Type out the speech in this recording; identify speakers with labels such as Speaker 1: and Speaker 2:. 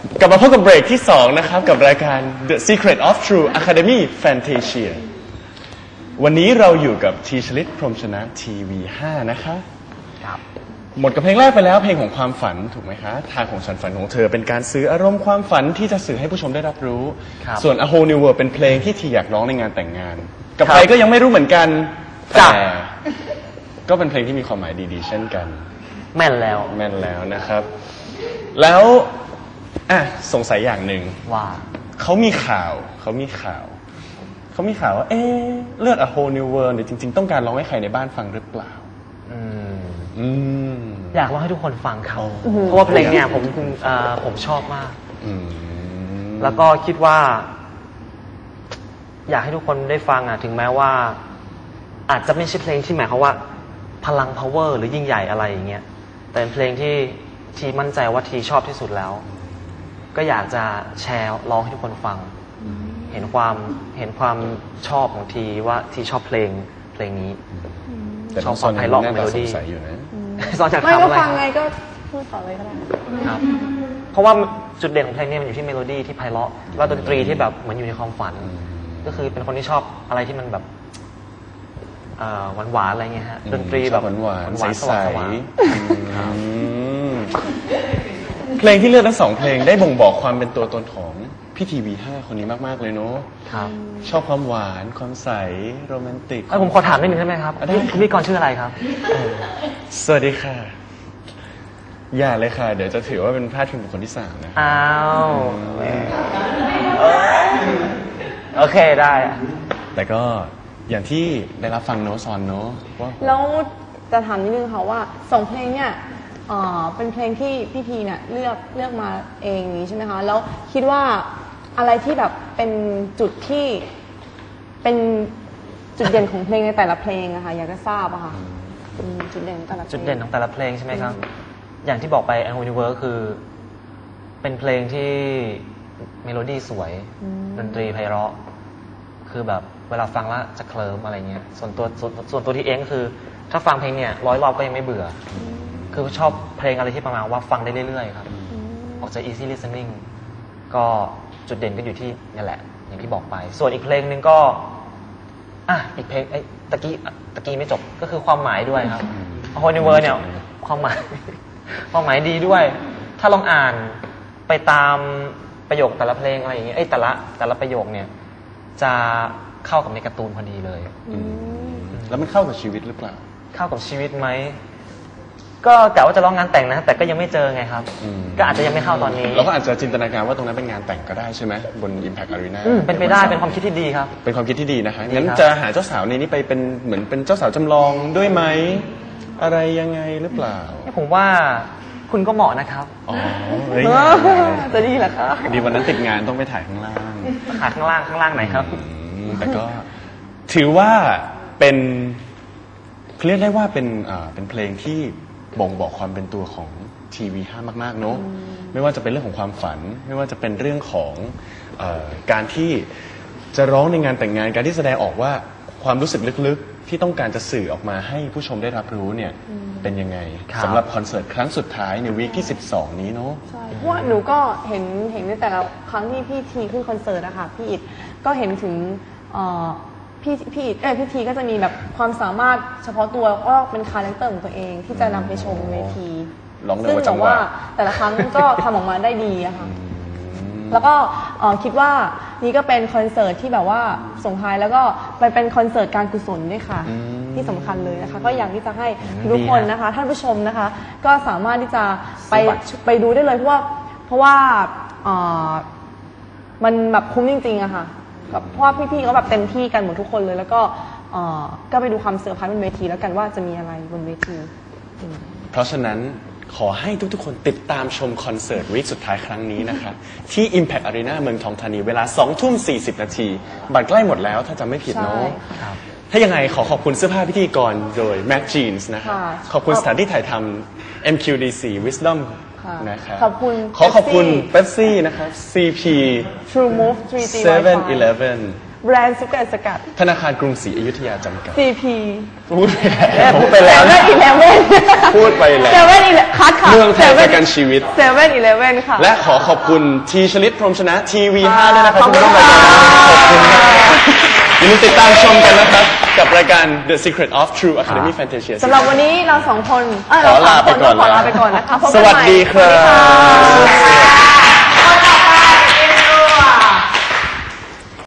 Speaker 1: กลับมาพบกับเบรกที่2นะครับกับรายการ The Secret of True Academy Fantasia วันนี้เราอยู่กับทีชลิตพรหมชนะทีวี5นะคะ
Speaker 2: ครับ
Speaker 1: หมดกับเพลงแรกไปแล้วเพลงของความฝันถูกไหมคะทางของฉันฝันของเธอเป็นการสื่ออารมณ์ความฝันที่จะสื่อให้ผู้ชมได้รับรู้ส่วน A Whole New World เป็นเพลงที่ทีอยากร้องในงานแต่งงานกับใครก็ยังไม่รู้เหมือนกันแต่ก็เป็นเพลงที่มีความหมายดีๆเช่นกัน
Speaker 2: แม่นแล้ว
Speaker 1: นะครับแล้วสงสัยอย่างหนึ่ง
Speaker 2: ว่า
Speaker 1: เขามีข่าวว่าเลือก A Whole New World เนี่ยจริงๆต้องการร้องให้ใครในบ้านฟังหรือเปล่า
Speaker 2: อยากร้องให้ทุกคนฟังครับเพราะว่าเพลงเนี่ยผมชอบมากแล้วก็คิดว่าอยากให้ทุกคนได้ฟังถึงแม้ว่าอาจจะไม่ใช่เพลงที่หมายความว่าพลัง power หรือยิ่งใหญ่อะไรอย่างเงี้ยแต่เป็นเพลงที่ทีมั่นใจว่าทีชอบที่สุดแล้วก็อยากจะแชร์ร้องให้ทุกคนฟังเห็นความชอบของทีว่าทีชอบเพลงนี้
Speaker 1: ชอบฟังไพเราะเมโลดี้
Speaker 2: สอนจาก
Speaker 3: ไม่ก็ฟังไงก็พูดต่อเลยก็ได้
Speaker 2: ครับเพราะว่าจุดเด่นของเพลงนี้มันอยู่ที่เมโลดี้ที่ไพเราะแล้วดนตรีที่แบบเหมือนอยู่ในความฝันก็คือเป็นคนที่ชอบอะไรที่มันแบบหวานๆอะไรเงี้ยฮะดนตรีแบบ
Speaker 1: หวานๆใสๆเพลงที่เลือกทั้ง2เพลงได้บ่งบอกความเป็นตัวตนของพี่ทีวี5คนนี้มากๆเลยเนาะชอบความหวานความใสโรแมนติก
Speaker 2: ผมขอถามนิดนึงได้ไหมครับคุณพี่กรชื่ออะไรครับ
Speaker 1: สวัสดีค่ะอย่าเลยค่ะเดี๋ยวจะถือว่าเป็นพลาดพิงบุคคลที่3นะ
Speaker 2: อ้าวโอเคได้
Speaker 1: แต่ก็อย่างที่ได้รับฟังโน้ตซอนเนาะว่า
Speaker 3: แล้วจะถามนิดนึงค่ะว่า2เพลงเนี่ยเป็นเพลงที่พี่ทีเนี่ยเลือกมาเองนี้ใช่ไหมคะแล้วคิดว่าอะไรที่แบบเป็นจุดที่เป็นจุดเด่นของเพลงในแต่ละเพลงอะค่ะอยากจะทราบอะค่ะจุดเด่นของแต่ละเพลง
Speaker 2: จุดเด่นของแต่ละเพลงใช่ไหมครับอย่างที่บอกไป A Whole New World คือเป็นเพลงที่เมโลดี้สวยดนตรีไพเราะคือแบบเวลาฟังแล้วจะเคลิ้มอะไรเงี้ยส่วนตัวที่เองก็คือถ้าฟังเพลงเนี่ย100 รอบก็ยังไม่เบื่อคือชอบเพลงอะไรที่ประมาณว่าฟังได้เรื่อยๆครับออกจาก easy listening ก็จุดเด่นก็อยู่ที่นี่แหละอย่างที่บอกไปส่วนอีกเพลงนึงก็อีกเพลงตะกี้ไม่จบก็คือความหมายด้วยครับ A Whole New World เนี่ยความหมายดีด้วยถ้าลองอ่านไปตามประโยคแต่ละเพลงอะไรอย่างเงี้ยแต่ละประโยคเนี่ยจะเข้ากับในการ์ตูนพอดีเลย
Speaker 1: แล้วมันเข้ากับชีวิตหรือเปล่า
Speaker 2: เข้ากับชีวิตไหมก็แต่ว่าจะร้องงานแต่งนะแต่ก็ยังไม่เจอไงครับก็อาจจะยังไม่เข้าตอนนี้
Speaker 1: เราก็อาจจะจินตนาการว่าตรงนั้นเป็นงานแต่งก็ได้ใช่ไหมบน Impact Arena
Speaker 2: เป็นไปได้เป็นความคิดที่ดีครับ
Speaker 1: เป็นความคิดที่ดีนะคะงั้นจะหาเจ้าสาวในนี้ไปเป็นเหมือนเป็นเจ้าสาวจำลองด้วยไหมอะไรยังไงหรือเปล่า
Speaker 2: ผมว่าคุณก็เหมาะนะครับ
Speaker 3: จะดีเหรอคะ
Speaker 1: ดีวันนั้นติดงานต้องไปถ่ายข้างล่าง
Speaker 2: ข้างล่างไหนครับ
Speaker 1: แต่ก็ถือว่าเป็นเรียกได้ว่าเป็นเพลงที่บ่งบอกความเป็นตัวของทีวี5มากๆเนอะไม่ว่าจะเป็นเรื่องของความฝันไม่ว่าจะเป็นเรื่องของการที่จะร้องในงานแต่งงานการที่แสดงออกว่าความรู้สึกลึกๆที่ต้องการจะสื่อออกมาให้ผู้ชมได้รับรู้เนี่ยเป็นยังไงสำหรับคอนเสิร์ตครั้งสุดท้ายในวีคที่12นี้เนอะ
Speaker 3: ใช่เพราะว่าหนูก็เห็นในแต่ละครั้งที่พี่ทีขึ้นคอนเสิร์ตอะค่ะพี่อิฐก็เห็นถึงพี่ทีก็จะมีแบบความสามารถเฉพาะตัวก็เป็นคาแรคเตอร์ของตัวเองที่จะนำไปชมเวทีซึ่งบอกว่าแต่ละครั้งก็ทำออกมาได้ดีอะค่ะแล้วก็คิดว่านี่ก็เป็นคอนเสิร์ตที่แบบว่าส่งท้ายแล้วก็เป็นคอนเสิร์ตการกุศลด้วยค่ะที่สำคัญเลยนะคะก็อยากที่จะให้ทุกคนนะคะท่านผู้ชมนะคะก็สามารถที่จะไปดูได้เลยเพราะว่ามันแบบคุ้มจริงๆอะค่ะเพราะว่าพี่ๆเขาแบบเต็มที่กันหมดทุกคนเลยแล้วก็ไปดูความเซอร์ไพรส์บนเวทีแล้วกันว่าจะมีอะไรบนเวที
Speaker 1: เพราะฉะนั้นขอให้ทุกๆคนติดตามชมคอนเสิร์ตวีคสุดท้ายครั้งนี้นะคะที่ Impact Arena เมืองทองธานีเวลา 20:40 น.บัตรใกล้หมดแล้วถ้าจำไม่ผิดเนาะถ้ายังไงขอบคุณเสื้อผ้าพิธีกรโดย Mac Jeans นะคะขอบคุณสถานที่ถ่ายทำ MQDC Wisdom นะครับขอบคุณ Pepsi นะครับ CP
Speaker 3: True Move 3G
Speaker 1: 7-Eleven
Speaker 3: แบรนด์ซุปเปอร์สกัด
Speaker 1: ธนาคารกรุงศรีอยุธยาจำกัด
Speaker 3: CP
Speaker 1: พูดไปแล้ว
Speaker 3: 7-Eleven
Speaker 1: พูดไปแล้ว
Speaker 3: 7-Eleven คัดค่ะ
Speaker 1: เมืองไทยประกันชีวิต
Speaker 3: 7-Eleven ค่ะ
Speaker 1: และขอขอบคุณทีชลิตพรหมชนะทีวี
Speaker 3: ค่ะ
Speaker 1: 5ด้วยนะครับ
Speaker 3: ขอบคุณ
Speaker 1: ที่ร่วมรายการ
Speaker 3: ค่ะ
Speaker 1: ขอบคุณมากอย่าลืมติดตามชมกันนะครับ กับรายการ The Secret of True Academy Fantasia
Speaker 3: สำหรับวันนี้เราสองคน
Speaker 1: ขอลาไปก่อน
Speaker 3: ขอลาไปก่อนนะคะพบ
Speaker 1: ส
Speaker 3: กัน
Speaker 1: วัส
Speaker 3: ใหม่
Speaker 1: ดีครั
Speaker 3: สวัสดีค่ะ
Speaker 1: บ